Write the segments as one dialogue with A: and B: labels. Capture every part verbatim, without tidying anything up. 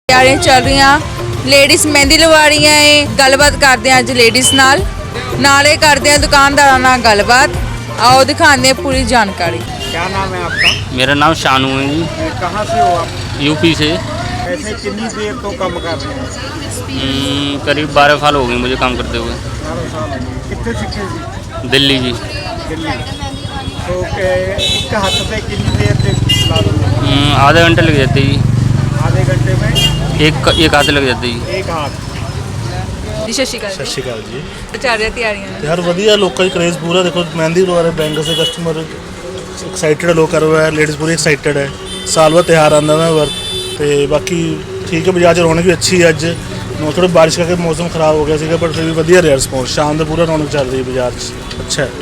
A: ਤਿਆਰੀਆਂ ਚੱਲ ਰਹੀਆਂ ਲੇਡੀਜ਼ ਮਹਿੰਦੀ ਲਵਾ ਰਹੀਆਂ ਏ। ਗੱਲਬਾਤ ਕਰਦੇ ਹਾਂ ਅੱਜ ਲੇਡੀਜ਼ ਨਾਲ ਨਾਲੇ ਕਰਦੇ हैं दुकानदारों ਨਾਲ ਗੱਲਬਾत। आओ दिखाते हैं पूरी जानकारी।
B: क्या नाम है आपका?
C: मेरा नाम शानू है जी।
B: कहाँ से हो आप?
C: यूपी से।
B: ऐसे कितनी देर तो काम कर रहे हैं?
C: करीब बारह साल हो गए मुझे काम करते हुए।
B: बारह साल हो गए। कितने सीखे जी?
C: दिल्ली जी।
B: दिल्ली। तो एक हाथ से कितनी देर तक ला दोगे?
C: आधे घंटे लग जाते जी।
B: आधे घंटे में
C: एक एक हाथ लग जाते जी।
B: एक हाथ।
A: जी सत श्री अकाल।
D: सत श्री अकाल जी।
A: ਚੱਲ ਰਹੀਆਂ ਤਿਆਰੀਆਂ
D: यार वधिया लोगों का क्रेज़ पूरा देखो मेहंदी लगा रहे बैंगल से कस्टमर एक्साइटेड लोग कर रहे हैं लेडीज़ पूरी एक्साइटेड है साल बाद त्यौहार आंदा ना वर तो बाकी ठीक है बाजार च रौनक भी अच्छी है अज थोड़ी बारिश करके मौसम खराब हो गया सीगा पर फिर भी वधिया रहा रिस्पॉन्स शाम का पूरा रौनक चल रही है बाजार च अच्छा है।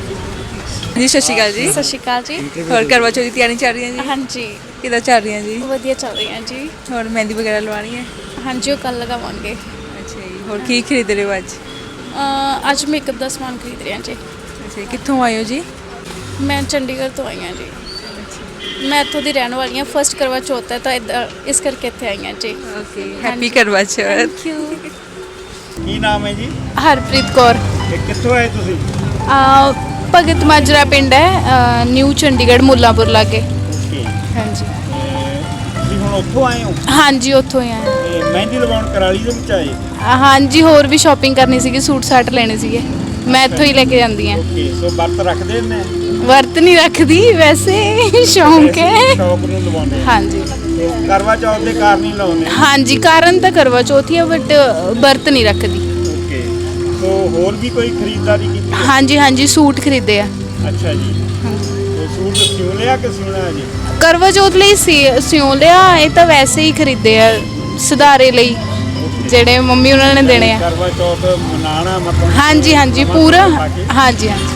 A: जी सत श्री अकाल जी।
E: ਸਤਿ ਸ਼੍ਰੀ ਅਕਾਲ ਜੀ।
A: ਹੋਰ ਕਰਵਾ ਚੌਥ ਦੀ ਤਿਆਰੀ ਚੱਲ ਰਹੀ ਹੈ ਜੀ?
E: ਹਾਂਜੀ
A: ਕਿੱਦਾਂ ਚੱਲ ਰਹੀਆਂ ਜੀ?
E: ਵਧੀਆ ਚੱਲ ਰਹੀਆਂ ਜੀ।
A: ਹੋਰ ਮਹਿੰਦੀ ਵਗੈਰਾ ਲਵਾਉਣੀ ਹੈ?
E: ਹਾਂਜੀ ਉਹ ਕੱਲ ਲਗਾਵਾਂਗੇ।
A: ਅੱਛਾ ਜੀ। ਹੋਰ ਕੀ ਖਰੀਦ ਰਹੇ ਹੋ ਅੱਜ?
E: ਅਹ ਅੱਜ ਮੇਕਅਪ ਦਾ ਸਮਾਨ ਖਰੀਦ ਰਹੇ ਹਾਂ ਜੀ।
A: ਅੱਛਾ ਜੀ। ਕਿੱਥੋਂ ਆਏ ਹੋ ਜੀ?
E: ਮੈਂ ਚੰਡੀਗੜ੍ਹ ਤੋਂ ਆਈ ਹਾਂ ਜੀ। ਮੈਂ ਇੱਥੋਂ ਦੀ ਰਹਿਣ ਵਾਲੀ ਹਾਂ। ਫਸਟ ਕਰਵਾ ਚੌਥ ਹੈ ਤਾਂ ਇੱਦਾਂ ਇਸ ਕਰਕੇ ਇੱਥੇ ਆਈ ਹਾਂ ਜੀ।
A: ਓਕੇ ਹੈਪੀ ਕਰਵਾ ਚੌਥ।
E: Thank you.
B: ਕੀ ਨਾਮ ਹੈ ਜੀ?
E: ਹਰਪ੍ਰੀਤ ਕੌਰ।
B: ਇਹ ਕਿੱਥੋਂ ਆਏ ਤੁਸੀਂ?
E: ਅਹ ਭਗਤ ਮਾਜਰਾ ਪਿੰਡ ਹੈ ਨਿਊ ਚੰਡੀਗੜ੍ਹ ਮੁੱਲਾਂਪੁਰ ਲਾਗੇ।
B: ਓਕੇ।
E: ਹਾਂਜੀ
B: ਤੁਸੀਂ ਹੁਣ ਉੱਥੋਂ ਆਏ ਹੋ?
E: ਹਾਂਜੀ ਉੱਥੋਂ ਹੀ ਆਏ।
B: ਤੇ ਮਹਿੰਦੀ ਲਵਾਉਣ ਕਰਾਲੀ ਦੇ ਵਿੱਚ ਆਏ?
E: ਅਹ ਹਾਂਜੀ ਹੋਰ ਵੀ ਸ਼ਾਪਿੰਗ ਕਰਨੀ ਸੀਗੀ ਸੂਟ ਸਾਟ ਲੈਣੇ ਸੀਗੇ ਮੈਂ ਇੱਥੋਂ ਹੀ ਲੈ ਕੇ ਜਾਂਦੀ ਹਾਂ।
B: ਓਕੇ ਸੋ ਵਰਤ ਰੱਖਦੇ ਨੇ?
E: ਵਰਤ ਨਹੀਂ ਰੱਖਦੀ ਵੈਸੇ ਸ਼ੌਂਕ ਹੈ।
B: ਸ਼ੌਕ ਨੂੰ ਲਵਾਉਂਦੇ?
E: ਹਾਂਜੀ
B: ਤੇ ਕਰਵਾ ਚੌਥ ਦੇ ਕਾਰਨ ਹੀ ਲਾਉਂਦੇ?
E: ਹਾਂਜੀ ਕਾਰਨ ਤਾਂ ਕਰਵਾ ਚੌਥ ਹੀ ਆ ਬਟ ਵਰਤ ਨਹੀਂ ਰੱਖਦੀ।
B: ਓਕੇ ਸੋ ਹੋਰ ਵੀ ਕੋਈ ਖਰੀਦਦਾਰੀ ਕੀਤੀ ਹੈ?
E: ਹਾਂਜੀ ਹਾਂਜੀ ਸੂਟ ਖਰੀਦੇ ਆ।
B: ਅੱਛਾ ਜੀ। ਤੇ ਸੂਟ ਸਿਉਂ ਲਿਆ ਕਿ ਸਿਉਣਾ ਹੈ ਜੀ?
E: ਕਰਵਾ ਚੌਥ ਲਈ ਸੀ- ਸਿਉਂ ਲਿਆ ਇਹ ਤਾਂ ਵੈਸੇ ਹੀ ਖਰੀਦੇ ਆ ਸੁਧਾਰੇ ਲਈ ਜਿਹੜੇ ਮੰਮੀ ਉਹਨਾਂ ਨੇ ਦੇਣੇ ਆ।
B: ਕਰਵਾ ਚੌਥ ਮਨਾਣਾ ਮਤਲਬ?
E: ਹਾਂਜੀ ਹਾਂਜੀ ਪੂਰਾ ਹਾਂਜੀ ਹਾਂਜੀ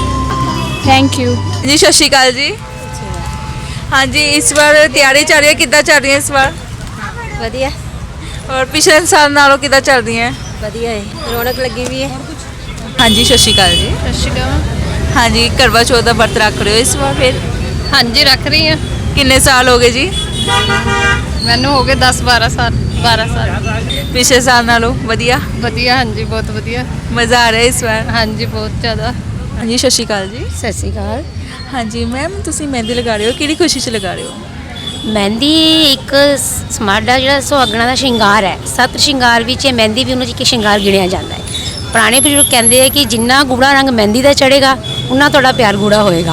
E: ਥੈਂਕ ਯੂ
A: ਜੀ ਸਤਿ ਸ਼੍ਰੀ ਅਕਾਲ ਜੀ। ਹਾਂਜੀ ਇਸ ਵਾਰ ਤਿਆਰੀ ਚੱਲ ਰਹੀ ਹੈ ਕਿੱਦਾਂ ਚੱਲ ਰਹੀ ਹੈ ਇਸ ਵਾਰ?
F: ਵਧੀਆ
A: ਔਰ ਪਿਛਲੇ ਸਾਲ ਨਾਲੋਂ ਕਿੱਦਾਂ ਚੱਲ ਰਹੀ ਹੈ?
F: ਵਧੀਆ ਹੈ ਰੌਣਕ ਲੱਗੀ ਵੀ ਹੈ।
A: ਹਾਂਜੀ ਸਤਿ ਸ਼੍ਰੀ ਅਕਾਲ ਜੀ।
E: ਸਤਿ ਸ਼੍ਰੀ ਅਕਾਲ।
A: ਹਾਂਜੀ ਕਰਵਾ ਚੌਥ ਦਾ ਵਰਤ ਰੱਖ ਰਹੇ ਹੋ ਇਸ ਵਾਰ ਫਿਰ?
E: ਹਾਂਜੀ ਰੱਖ ਰਹੀ ਹਾਂ।
A: ਕਿੰਨੇ ਸਾਲ ਹੋ ਗਏ ਜੀ?
E: ਮੈਨੂੰ ਹੋ ਗਏ ਦਸ ਬਾਰਾਂ ਸਾਲ ਬਾਰਾਂ ਸਾਲ।
A: ਪਿਛਲੇ ਸਾਲ ਨਾਲੋਂ ਵਧੀਆ
E: ਵਧੀਆ ਹਾਂਜੀ ਬਹੁਤ ਵਧੀਆ।
A: ਮਜ਼ਾ ਆ ਰਿਹਾ ਇਸ ਵਾਰ?
E: ਹਾਂਜੀ ਬਹੁਤ ਜ਼ਿਆਦਾ।
A: ਹਾਂਜੀ ਸਤਿ ਸ਼੍ਰੀ ਅਕਾਲ ਜੀ।
F: ਸਤਿ ਸ਼੍ਰੀ ਅਕਾਲ।
A: ਹਾਂਜੀ ਮੈਮ ਤੁਸੀਂ ਮਹਿੰਦੀ ਲਗਾ ਰਹੇ ਹੋ ਕਿਹੜੀ ਖੁਸ਼ੀ 'ਚ ਲਗਾ ਰਹੇ ਹੋ?
F: ਮਹਿੰਦੀ ਇੱਕ ਸਮਾਡਾ ਜਿਹੜਾ ਸੁਹਾਗਣਾ ਦਾ ਸ਼ਿੰਗਾਰ ਹੈ ਸੱਤ ਸ਼ਿੰਗਾਰ ਵਿੱਚ ਇਹ ਮਹਿੰਦੀ ਵੀ ਉਹਨਾਂ 'ਚ ਇੱਕ ਸ਼ਿੰਗਾਰ ਗਿਣਿਆ ਜਾਂਦਾ ਹੈ। ਪੁਰਾਣੇ ਬਜ਼ੁਰਗ ਕਹਿੰਦੇ ਆ ਕਿ ਜਿੰਨਾ ਗੂੜਾ ਰੰਗ ਮਹਿੰਦੀ ਦਾ ਚੜ੍ਹੇਗਾ ਉਨਾ ਤੁਹਾਡਾ ਪਿਆਰ ਗੂੜਾ ਹੋਏਗਾ।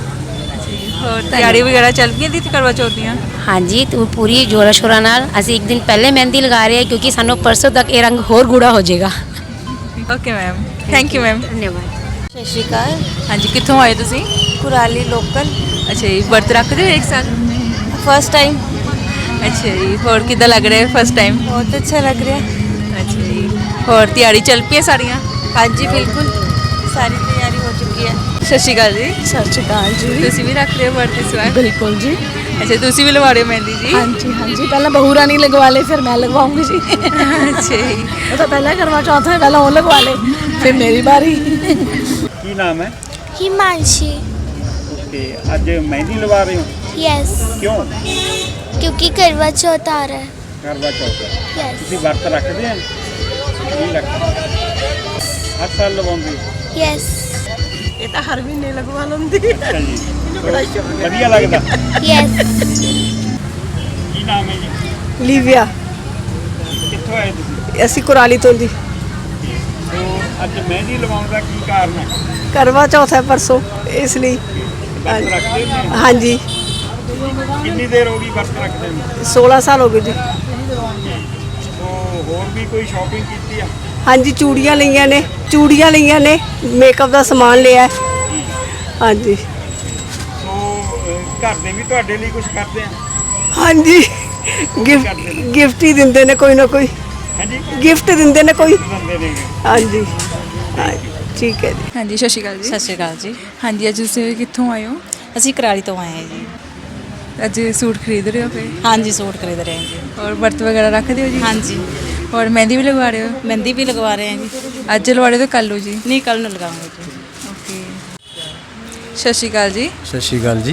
A: ਹੋਰ ਤਿਆਰੀ ਵਗੈਰਾ ਚੱਲ ਗਈਆਂ ਦੀ ਕਰਵਾ ਚੌਥ ਦੀਆਂ?
F: ਹਾਂਜੀ ਤੇ ਪੂਰੀ ਜੋਰਾ ਸ਼ੋਰਾ ਨਾਲ ਅਸੀਂ ਇੱਕ ਦਿਨ ਪਹਿਲੇ ਮਹਿੰਦੀ ਲਗਾ ਰਹੇ ਹਾਂ ਕਿਉਂਕਿ ਸਾਨੂੰ ਪਰਸੋਂ ਤੱਕ ਇਹ ਰੰਗ ਹੋਰ ਗੂੜਾ ਹੋ ਜਾਏਗਾ।
A: Okay ma'am thank you ma'am.
F: ਧੰਨਵਾਦ। ਸਤਿ ਸ਼੍ਰੀ ਅਕਾਲ।
A: ਹਾਂਜੀ ਕਿੱਥੋਂ ਆਏ ਤੁਸੀਂ?
F: ਕੁਰਾਲੀ ਲੋਕਲ
A: ਅੱਛਾ ਜੀ। ਵਰਤ ਰੱਖਦੇ ਹੋ ਇੱਕ ਸਾਲ?
F: First time.
A: ਅੱਛਾ ਜੀ। ਹੋਰ ਕਿੱਦਾਂ ਲੱਗ ਰਿਹਾ ਫਸਟ ਟਾਈਮ?
F: ਬਹੁਤ ਅੱਛਾ ਲੱਗ ਰਿਹਾ।
A: ਅੱਛਾ ਜੀ। ਹੋਰ ਤਿਆਰੀ ਚੱਲ ਪਈ ਹੈ ਸਾਰੀਆਂ?
F: ਹਾਂਜੀ ਬਿਲਕੁਲ ਸਾਰੀ ਤਿਆਰੀ ਹੋ ਚੁੱਕੀ ਹੈ।
A: ਸਤਿ ਸ਼੍ਰੀ ਅਕਾਲ ਜੀ।
E: ਸਤਿ ਸ਼੍ਰੀ ਅਕਾਲ ਜੀ।
A: ਤੁਸੀਂ ਵੀ ਰੱਖ ਰਹੇ ਹੋ ਵਰਤ ਇਸ ਵਾਰ?
E: ਬਿਲਕੁਲ ਜੀ।
A: ਅੱਛਾ ਤੁਸੀਂ ਵੀ ਲਵਾ ਰਹੇ ਹੋ ਮਹਿੰਦੀ ਜੀ?
E: ਹਾਂਜੀ ਹਾਂਜੀ ਪਹਿਲਾਂ ਬਹੂ ਰਾਣੀ ਲਗਵਾ ਲੇ ਫਿਰ ਮੈਂ ਲਗਵਾਉਂਗੀ ਜੀ।
A: ਅੱਛਾ ਜੀ।
E: ਉਹ ਤਾਂ ਪਹਿਲਾਂ ਕਰਵਾ ਚੌਥ ਹੈ ਪਹਿਲਾਂ ਉਹ ਲਗਵਾ ਲੇ ਫਿਰ ਮੇਰੀ ਬਾਰੀ।
B: ਕੀ ਨਾਮ ਹੈ?
G: हिमांशी।
B: ਓਕੇ ਅੱਜ ਮਹਿੰਦੀ ਲਵਾ ਰਹੇ ਹੋ?
G: यस
B: ਕਿਉਂ?
G: क्योंकि करवा चौथ आ रहा है।
B: ਕਰਵਾ ਚੌਥ ਹੈ।
G: यस
B: ਤੁਸੀਂ ਵਰਤ ਰੱਖਦੇ ਆ? ਨਹੀਂ ਰੱਖਦੇ। ਹਰ ਸਾਲ ਲਵਾਉਂਦੇ ਹੋ?
G: यस
E: ਇਹ ਤਾਂ ਹਰ ਮਹੀਨੇ ਲਗਵਾ ਲੈਂਦੀ।
B: ਅੱਛਾ ਜੀ। ਵਧੀਆ ਲੱਗਦਾ?
G: यस
B: ਕੀ ਨਾਮ ਹੈ ਜੀ?
H: ਲੀਵਿਆ।
B: ਕਿੱਥੋਂ ਆਏ ਤੁਸੀਂ?
H: ਅਸੀਂ ਕੁਰਾਲੀ ਤੋਂ ਜੀ।
B: ਸੋ ਅੱਜ ਮਹਿੰਦੀ ਲਵਾਉਣ ਦਾ ਕੀ ਕਾਰਨ ਹੈ?
H: ਕਰਵਾ ਚੌਥ ਹੈ ਪਰਸੋਂ ਇਸ ਲਈ।
B: ਵਰਤ ਰੱਖਦੇ ਹੋ?
H: ਹਾਂਜੀ
B: ਕਿੰਨੀ ਦੇਰ ਹੋ ਗਈ ਵਰਤ ਰੱਖਦੇ ਨੂੰ?
H: सोलह ਸਾਲ ਹੋ ਗਏ ਜੀ।
B: ਸੋ ਹੋਰ ਵੀ ਕੋਈ ਸ਼ਾਪਿੰਗ ਕੀਤੀ ਆ?
H: ਹਾਂਜੀ ਚੂੜੀਆਂ ਲਈਆਂ ਨੇ ਚੂੜੀਆਂ ਲਈਆਂ ਨੇ ਮੇਕਅਪ ਦਾ ਸਮਾਨ ਲਿਆ ਹੈ। ਹਾਂਜੀ
B: ਸੋ ਅਹ, ਘਰ ਦੇ ਵੀ ਤੁਹਾਡੇ ਲਈ ਕੁਝ ਕਰਦੇ ਆ?
H: ਹਾਂਜੀ ਗਿਫਟ ਗਿਫਟ ਹੀ ਦਿੰਦੇ ਨੇ ਕੋਈ ਨਾ ਕੋਈ।
B: ਹਾਂਜੀ
H: ਗਿਫਟ ਦਿੰਦੇ ਨੇ ਕੋਈ।
B: ਦਿੰਦੇ ਨੇ।
H: ਹਾਂਜੀ ਹਾਂਜੀ, ਠੀਕ ਹੈ ਜੀ।
A: ਹਾਂਜੀ ਸਤਿ ਸ਼੍ਰੀ ਅਕਾਲ ਜੀ।
I: ਸਤਿ ਸ਼੍ਰੀ ਅਕਾਲ ਜੀ।
A: ਹਾਂਜੀ ਅੱਜ ਤੁਸੀਂ ਕਿੱਥੋਂ ਆਏ ਹੋ?
I: ਅਸੀਂ ਕਰਾਲੀ ਤੋਂ ਆਏ ਹਾਂ ਜੀ।
A: ਅੱਜ ਸੂਟ ਖਰੀਦ ਰਹੇ ਹੋ ਫਿਰ?
I: ਹਾਂਜੀ ਸੂਟ ਖਰੀਦ ਰਹੇ ਹਾਂ ਜੀ।
A: ਔਰ ਵਰਤ ਵਗੈਰਾ ਰੱਖਦੇ ਹੋ ਜੀ?
I: ਹਾਂਜੀ
A: ਔਰ ਮਹਿੰਦੀ ਵੀ ਲਗਵਾ ਰਹੇ ਹੋ?
I: ਮਹਿੰਦੀ ਵੀ ਲਗਵਾ ਰਹੇ ਹਾਂ ਜੀ।
A: ਅੱਜ ਲਵਾ ਰਹੇ ਹੋ ਕੱਲ ਹੋ ਜੀ?
I: ਨਹੀਂ ਕੱਲ ਨੂੰ ਲਗਾਵਾਂਗੇ ਜੀ।
A: ਓਕੇ। ਸਤਿ ਸ਼੍ਰੀ ਅਕਾਲ ਜੀ।
J: ਸਤਿ ਸ਼੍ਰੀ ਅਕਾਲ ਜੀ।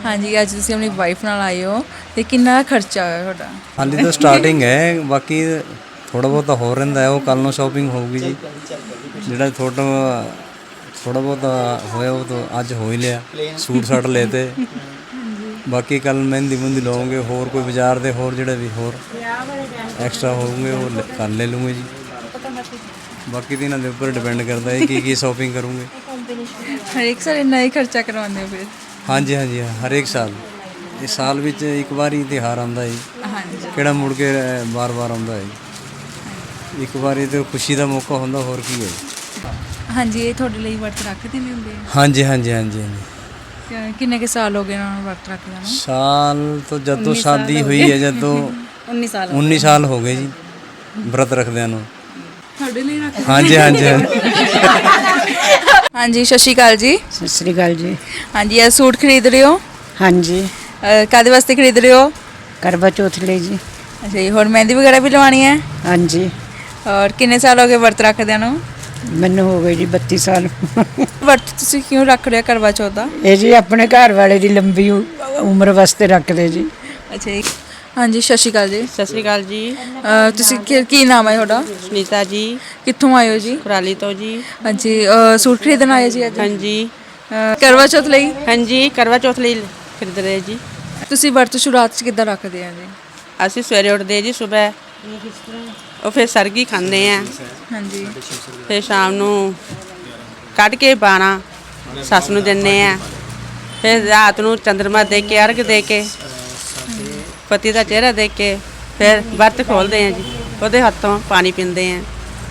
A: ਹਾਂਜੀ ਅੱਜ ਤੁਸੀਂ ਆਪਣੀ ਵਾਈਫ ਨਾਲ ਆਏ ਹੋ ਤੇ ਕਿੰਨਾ ਖਰਚਾ ਹੋਇਆ ਤੁਹਾਡਾ?
J: ਹਾਲੇ ਤਾਂ ਸਟਾਰਟਿੰਗ ਹੈ, ਬਾਕੀ ਥੋੜਾ ਬਹੁਤਾ ਹੋ ਰਹਿੰਦਾ ਹੈ, ਉਹ ਕੱਲ ਨੂੰ ਸ਼ਾਪਿੰਗ ਹੋਊਗੀ ਜੀ। ਜਿਹੜਾ ਥੋੜਾ ਥੋੜਾ ਬਹੁਤਾ ਹੋਇਆ ਉਹ ਤਾਂ ਅੱਜ ਹੋ ਹੀ ਲਿਆ, ਸੂਟ ਸਾਟ ਲਏ ਤੇ ਬਾਕੀ ਕੱਲ ਮਹਿੰਦੀ ਮੁੰਦੀ ਲਵਾਂਗੇ, ਹੋਰ ਕੋਈ ਬਾਜ਼ਾਰ ਦੇ ਹੋਰ ਜਿਹੜੇ ਵੀ ਹੋਰ ਐਕਸਟਰਾ ਹੋਣਗੇ ਉਹ ਲ- ਕਰ ਲੈ ਲੂੰਗੇ ਜੀ। ਬਾਕੀ ਤਾਂ ਇਹਨਾਂ ਦੇ ਉੱਪਰ ਡਿਪੈਂਡ ਕਰਦਾ ਹੈ ਕੀ ਕੀ ਸ਼ਾਪਿੰਗ ਕਰੂੰਗੇ।
A: ਹਰੇਕ ਸਾਲ ਇੰਨਾ ਹੀ ਖਰਚਾ ਕਰਵਾਉਂਦੇ ਹੋ ਫਿਰ?
J: ਹਾਂਜੀ ਹਾਂਜੀ ਹਰੇਕ ਸਾਲ, ਇਹ ਸਾਲ ਵਿੱਚ ਇੱਕ ਵਾਰੀ ਤਿਉਹਾਰ ਆਉਂਦਾ ਜੀ,
A: ਹਾਂਜੀ
J: ਕਿਹੜਾ ਮੁੜ ਕੇ ਵਾਰ-ਵਾਰ ਆਉਂਦਾ ਹੈ। ਇੱਕ ਵਾਰੀ ਤੇ ਖੁਸ਼ੀ ਦਾ ਮੌਕਾ ਹੁੰਦਾ, ਹੋਰ ਕੀ ਹੈ।
A: ਹਾਂਜੀ ਇਹ ਤੁਹਾਡੇ ਲਈ ਵਰਤ ਰੱਖਦੇ ਨਹੀਂ ਹੁੰਦੇ?
J: ਹਾਂਜੀ ਹਾਂਜੀ ਹਾਂਜੀ ਹਾਂਜੀ
A: ਕਿ- ਕਿੰਨੇ ਕੇ ਸਾਲ ਹੋ ਗਏ ਉਹਨਾਂ ਨੂੰ ਵਰਤ ਰੱਖਦੇ ਨੂੰ?
J: ਸਾਲ ਤੋਂ ਜਦੋਂ ਸ਼ਾਦੀ ਹੋਈ ਹੈ, ਜਦੋਂ
I: ਉੱਨੀ ਸਾਲ
J: ਉੱਨੀ ਸਾਲ ਹੋ ਗਏ ਜੀ ਵਰਤ ਰੱਖਦਿਆਂ ਨੂੰ।
A: ਤੁਹਾਡੇ ਲਈ ਰੱਖਦੇ?
J: ਹਾਂਜੀ ਹਾਂਜੀ ਹਾਂਜੀ
A: ਹਾਂਜੀ ਸਤਿ ਸ਼੍ਰੀ ਅਕਾਲ ਜੀ।
H: ਸਤਿ ਸ੍ਰੀ ਅਕਾਲ ਜੀ।
A: ਹਾਂਜੀ ਇਹ ਸੂਟ ਖਰੀਦ ਰਹੇ ਹੋ?
H: ਹਾਂਜੀ,
A: ਅਹ, ਕਾਹਦੇ ਵਾਸਤੇ ਖਰੀਦ ਰਹੇ ਹੋ?
H: ਕਰਵਾ ਚੌਥ ਲਈ ਜੀ।
A: ਅੱਛਾ ਜੀ, ਹੋਰ ਮਹਿੰਦੀ ਵਗੈਰਾ ਵੀ ਲਵਾਉਣੀ ਹੈ?
H: ਹਾਂਜੀ,
A: ਔਰ ਕਿੰਨੇ ਸਾਲ ਹੋ ਗਏ ਵਰਤ ਰੱਖਦਿਆਂ ਨੂੰ?
H: ਮੈਨੂੰ ਹੋ ਗਏ ਜੀ ਬੱਤੀ ਸਾਲ।
A: ਵਰਤ ਤੁਸੀਂ ਕਿਉਂ ਰੱਖ ਰਹੇ ਹੋ ਕਰਵਾ ਚੌਥ ਦਾ?
H: ਇਹ ਜੀ ਆਪਣੇ ਘਰ ਵਾਲੇ ਦੀ ਲੰਬੀ ਉ- ਉਮਰ ਵਾਸਤੇ ਰੱਖਦੇ ਜੀ।
A: ਅੱਛਾ ਜੀ। ਹਾਂਜੀ ਸਤਿ ਸ਼੍ਰੀ ਅਕਾਲ ਜੀ।
I: ਸਤਿ ਸ੍ਰੀ ਅਕਾਲ ਜੀ।
A: ਅਹ, ਤੁਸੀਂ ਕੀ- ਕੀ ਨਾਮ ਹੈ ਤੁਹਾਡਾ?
I: ਸੁਨੀਤਾ ਜੀ,
A: ਕਿੱਥੋਂ ਆਏ ਹੋ ਜੀ?
I: ਕੁਰਾਲੀ ਤੋਂ ਜੀ।
A: ਹਾਂਜੀ ਅਹ, ਸੂਟ ਖਰੀਦਣ ਆਏ ਜੀ ਅੱਜ?
I: ਹਾਂਜੀ
A: ਅਹ, ਕਰਵਾ ਚੌਥ ਲਈ?
I: ਹਾਂਜੀ ਕਰਵਾ ਚੌਥ ਲਈ ਖਰੀਦ ਰਹੇ ਜੀ।
A: ਤੁਸੀਂ ਵਰਤ ਸ਼ੁਰੂਆਤ 'ਚ ਕਿੱਦਾਂ ਰੱਖਦੇ ਆ ਜੀ?
I: ਅਸੀਂ ਸਵੇਰੇ ਉੱਠਦੇ ਜੀ ਸਵੇਰ, ਉਹ ਫਿਰ ਸਰਗੀ ਖਾਂਦੇ ਆ,
A: ਹਾਂਜੀ
I: ਫਿਰ ਸ਼ਾਮ ਨੂੰ ਕੱਢ ਕੇ ਬਾਣਾ ਸੱਸ ਨੂੰ ਦਿੰਦੇ ਆ, ਫਿਰ ਰਾਤ ਨੂੰ ਚੰਦਰਮਾ ਦੇ ਕੇ ਅਰਘ ਦੇ ਕੇ ਪਤੀ ਦਾ ਚਿਹਰਾ ਦੇਖ ਕੇ ਫਿਰ ਵਰਤ ਖੋਲਦੇ ਆ ਜੀ, ਉਹਦੇ ਹੱਥੋਂ ਪਾਣੀ ਪੀਂਦੇ ਆ,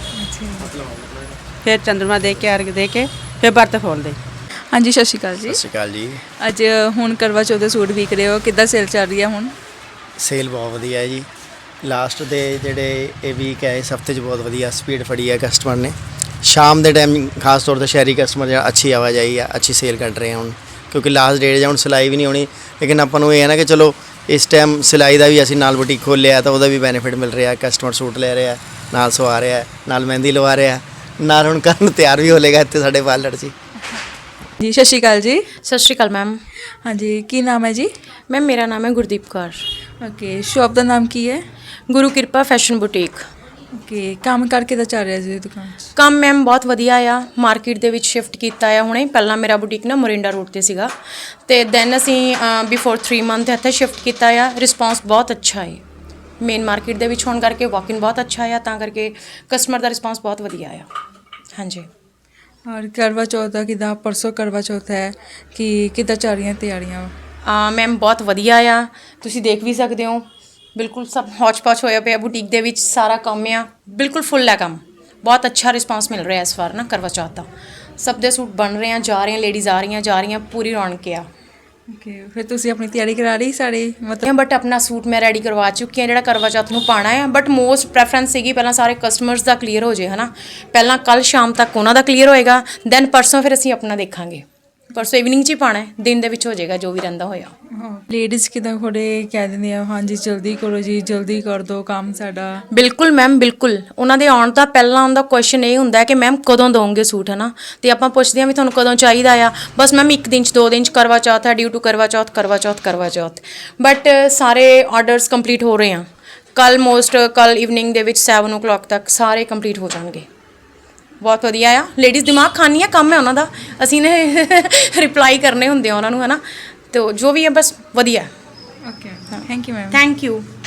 I: ਫਿਰ ਚੰਦਰਮਾ ਦੇ ਕੇ ਅਰਘ ਦੇ ਕੇ ਫਿਰ ਵਰਤ ਖੋਲਦੇ।
A: ਹਾਂਜੀ ਸਤਿ ਸ਼੍ਰੀ ਅਕਾਲ ਜੀ।
K: ਸਤਿ ਸ਼੍ਰੀ ਅਕਾਲ ਜੀ।
A: ਅੱਜ ਹੁਣ ਕਰਵਾ ਚੌਥ ਦੇ ਸੂਟ ਵਿਕ ਰਹੇ ਹੋ, ਕਿੱਦਾਂ ਸੇਲ ਚੱਲ ਰਹੀ ਹੈ ਹੁਣ?
K: ਸੇਲ ਬਹੁਤ ਵਧੀਆ ਹੈ ਜੀ। ਲਾਸਟ ਦੇ ਜਿਹੜੇ ਇਹ ਵੀਕ ਹੈ ਇਸ ਹਫਤੇ 'ਚ ਬਹੁਤ ਵਧੀਆ ਸਪੀਡ ਫੜੀ ਹੈ ਕਸਟਮਰ ਨੇ। ਸ਼ਾਮ ਦੇ ਟਾਈਮ ਖਾਸ ਤੌਰ 'ਤੇ ਸ਼ਹਿਰੀ ਕਸਟਮਰ ਜਿਹੜਾ ਅੱਛੀ ਆਵਾਜਾਈ ਹੈ, ਅੱਛੀ ਸੇਲ ਕੱਢ ਰਹੇ ਆ ਹੁਣ, ਕਿਉਂਕਿ ਲਾਸਟ ਡੇਟ ਜਾਂ ਹੁਣ ਸਿਲਾਈ ਵੀ ਨਹੀਂ ਹੋਣੀ। ਲੇਕਿਨ ਆਪਾਂ ਨੂੰ ਇਹ ਹੈ ਨਾ ਕਿ ਚਲੋ ਇਸ ਟਾਈਮ ਸਿਲਾਈ ਦਾ ਵੀ ਅਸੀਂ ਨਾਲ ਬੁਟੀਕ ਖੋਲ੍ਹਿਆ ਤਾਂ ਉਹਦਾ ਵੀ ਬੈਨੀਫਿਟ ਮਿਲ ਰਿਹਾ। ਕਸਟਮਰ ਸੂਟ ਲੈ ਰਿਹਾ, ਨਾਲ ਸਵਾ ਰਿਹਾ, ਨਾਲ ਮਹਿੰਦੀ ਲਵਾ ਰਿਹਾ, ਨਾਲ ਹੁਣ ਕਰਨ ਤਿਆਰ ਵੀ ਹੋ ਲੇਗਾ ਇੱਥੇ ਸਾਡੇ ਪਾਰਲਰ 'ਚ।
A: ਜੀ ਸਤਿ ਸ਼੍ਰੀ ਅਕਾਲ ਜੀ।
E: ਸਤਿ ਸ਼੍ਰੀ ਅਕਾਲ ਮੈਮ।
A: ਹਾਂਜੀ ਕੀ ਨਾਮ ਹੈ ਜੀ?
E: ਮੈਮ ਮੇਰਾ ਨਾਮ ਹੈ ਗੁਰਦੀਪ ਕੌਰ।
A: ਓਕੇ ਸ਼ੌਪ ਦਾ ਨਾਮ ਕੀ ਹੈ?
E: ਗੁਰੂ ਕਿਰਪਾ ਫੈਸ਼ਨ ਬੁਟੀਕ।
A: ਓਕੇ ਕੰਮ ਕਰਕੇ ਤਾਂ ਚੱਲ ਰਿਹਾ ਜੀ ਦੁਕਾਨ 'ਚ?
E: ਕੰਮ ਮੈਮ ਬਹੁਤ ਵਧੀਆ ਆ, ਮਾਰਕੀਟ ਦੇ ਵਿੱਚ ਸ਼ਿਫਟ ਕੀਤਾ ਆ ਹੁਣੇ। ਪਹਿਲਾਂ ਮੇਰਾ ਬੁਟੀਕ ਨਾ ਮੋਰਿੰਡਾ ਰੋਡ ਤੇ ਸੀਗਾ ਤੇ ਦੈਨ ਅਸੀਂ ਬਿਫੋਰ ਥ੍ਰੀ ਮੰਥ ਇੱਥੇ ਸ਼ਿਫਟ ਕੀਤਾ ਆ। ਰਿਸਪੌਂਸ ਬਹੁਤ ਅੱਛਾ ਹੈ, ਮੇਨ ਮਾਰਕੀਟ ਦੇ ਵਿੱਚ ਹੋਣ ਕਰਕੇ ਵਾਕ-ਇਨ ਬਹੁਤ ਅੱਛਾ ਆ, ਤਾਂ ਕਰਕੇ ਕਸਟਮਰ ਦਾ ਰਿਸਪੌਂਸ ਬਹੁਤ ਵਧੀਆ ਆ। ਹਾਂਜੀ।
A: ਔਰ ਕਰਵਾ ਚੌਥ ਦਾ ਕਿੱਦਾਂ? ਪਰਸੋਂ ਕਰਵਾ ਚੌਥ ਹੈ ਕਿ ਕਿੱਦਾਂ ਚੱਲ ਰਹੀਆਂ ਤਿਆਰੀਆਂ?
E: ਮੈਮ ਬਹੁਤ ਵਧੀਆ ਆ, ਤੁਸੀਂ ਦੇਖ ਵੀ ਸਕਦੇ ਹੋ, ਬਿਲਕੁਲ ਸਭ ਹੌਚ-ਪੌਚ ਹੋਇਆ ਪਿਆ ਬੁਟੀਕ ਦੇ ਵਿੱਚ, ਸਾਰਾ ਕੰਮ ਆ ਬਿਲਕੁਲ ਫੁੱਲ ਹੈ ਕੰਮ। ਬਹੁਤ ਅੱਛਾ ਰਿਸਪਾਂਸ ਮਿਲ ਰਿਹਾ ਇਸ ਵਾਰ ਨਾ ਕਰਵਾ ਚੌਥ ਦਾ। ਸਭ ਦੇ ਸੂਟ ਬਣ ਰਹੇ ਆ, ਜਾ ਰਹੇ ਆ, ਲੇਡੀਜ਼ ਆ ਰਹੀਆਂ ਜਾ ਰਹੀਆਂ, ਪੂਰੀ ਰੌਣਕ ਆ।
A: ਓਕੇ ਫਿਰ ਤੁਸੀਂ ਆਪਣੀ ਤਿਆਰੀ ਕਰਾ ਲਈ ਸਾਰੇ ਮਤਲਬ?
E: ਬਟ ਆਪਣਾ ਸੂਟ ਮੈਂ ਰੈਡੀ ਕਰਵਾ ਚੁੱਕੀ ਹਾਂ ਜਿਹੜਾ ਕਰਵਾ ਚੌਥ ਨੂੰ ਪਾਉਣਾ ਹੈ। ਬਟ ਮੋਸਟ ਪ੍ਰੈਫਰੈਂਸ ਸੀਗੀ ਪਹਿਲਾਂ ਸਾਰੇ ਕਸਟਮਰਸ ਦਾ ਕਲੀਅਰ ਹੋ ਜੇ ਹੈ ਨਾ, ਪਹਿਲਾਂ ਕੱਲ੍ਹ ਸ਼ਾਮ ਤੱਕ ਉਹਨਾਂ ਦਾ ਕਲੀਅਰ ਹੋਏਗਾ, ਦੈਨ ਪਰਸੋਂ ਫਿਰ ਅਸੀਂ ਆਪਣਾ ਦੇਖਾਂਗੇ। ਪਰਸੋਂ ਇਵਨਿੰਗ 'ਚ ਹੀ ਪਾਉਣਾ ਹੈ, ਦਿਨ ਦੇ ਵਿੱਚ ਹੋ ਜਾਏਗਾ ਜੋ ਵੀ ਰਹਿੰਦਾ ਹੋਇਆ।
A: ਹਾਂ ਲੇਡੀਜ਼ ਕਿੱਦਾਂ ਥੋੜੇ ਕਹਿ ਦਿੰਦੇ ਆ ਹਾਂਜੀ ਜਲਦੀ ਕਰੋ ਜੀ, ਜਲਦੀ ਕਰ ਦਿਓ ਕੰਮ ਸਾਡਾ।
E: ਬਿਲਕੁਲ ਮੈਮ ਬਿਲਕੁਲ, ਉਹਨਾਂ ਦੇ ਆਉਣ ਦਾ ਪਹਿਲਾਂ ਉਹਦਾ ਕੁਐਸਚਨ ਇਹ ਹੁੰਦਾ ਕਿ ਮੈਮ ਕਦੋਂ ਦੋਗੇ ਸੂਟ ਹੈ ਨਾ, ਅਤੇ ਆਪਾਂ ਪੁੱਛਦੇ ਹਾਂ ਵੀ ਤੁਹਾਨੂੰ ਕਦੋਂ ਚਾਹੀਦਾ ਆ। ਬਸ ਮੈਮ ਇੱਕ ਦਿਨ 'ਚ ਦੋ ਦਿਨ 'ਚ ਕਰਵਾ ਚੌਥ ਹੈ, ਡਿਊ ਟੂ ਕਰਵਾ ਚੌਥ ਕਰਵਾ ਚੌਥ ਕਰਵਾ ਚੌਥ। ਬਟ ਸਾਰੇ ਆਰਡਰਸ ਕੰਪਲੀਟ ਹੋ ਰਹੇ ਆ, ਕੱਲ੍ਹ ਮੋਸਟ ਕੱਲ੍ਹ ਇਵਨਿੰਗ ਦੇ ਵਿੱਚ ਸੈਵਨ ਓ ਕਲੋਕ ਤੱਕ ਸਾਰੇ ਕੰਪਲੀਟ ਹੋ ਜਾਣਗੇ। ਬਹੁਤ ਵਧੀਆ ਆ, ਲੇਡੀਜ਼ ਦਿਮਾਗ ਖਾਨੀ ਆ, ਕੰਮ ਹੈ ਉਹਨਾਂ ਦਾ, ਅਸੀਂ ਨੇ ਰਿਪਲਾਈ ਕਰਨੇ ਹੁੰਦੇ ਆ ਉਹਨਾਂ ਨੂੰ ਹੈ ਨਾ, ਅਤੇ ਜੋ ਵੀ ਹੈ ਬਸ ਵਧੀਆ।
A: Okay thank you ma'am.
E: Thank you.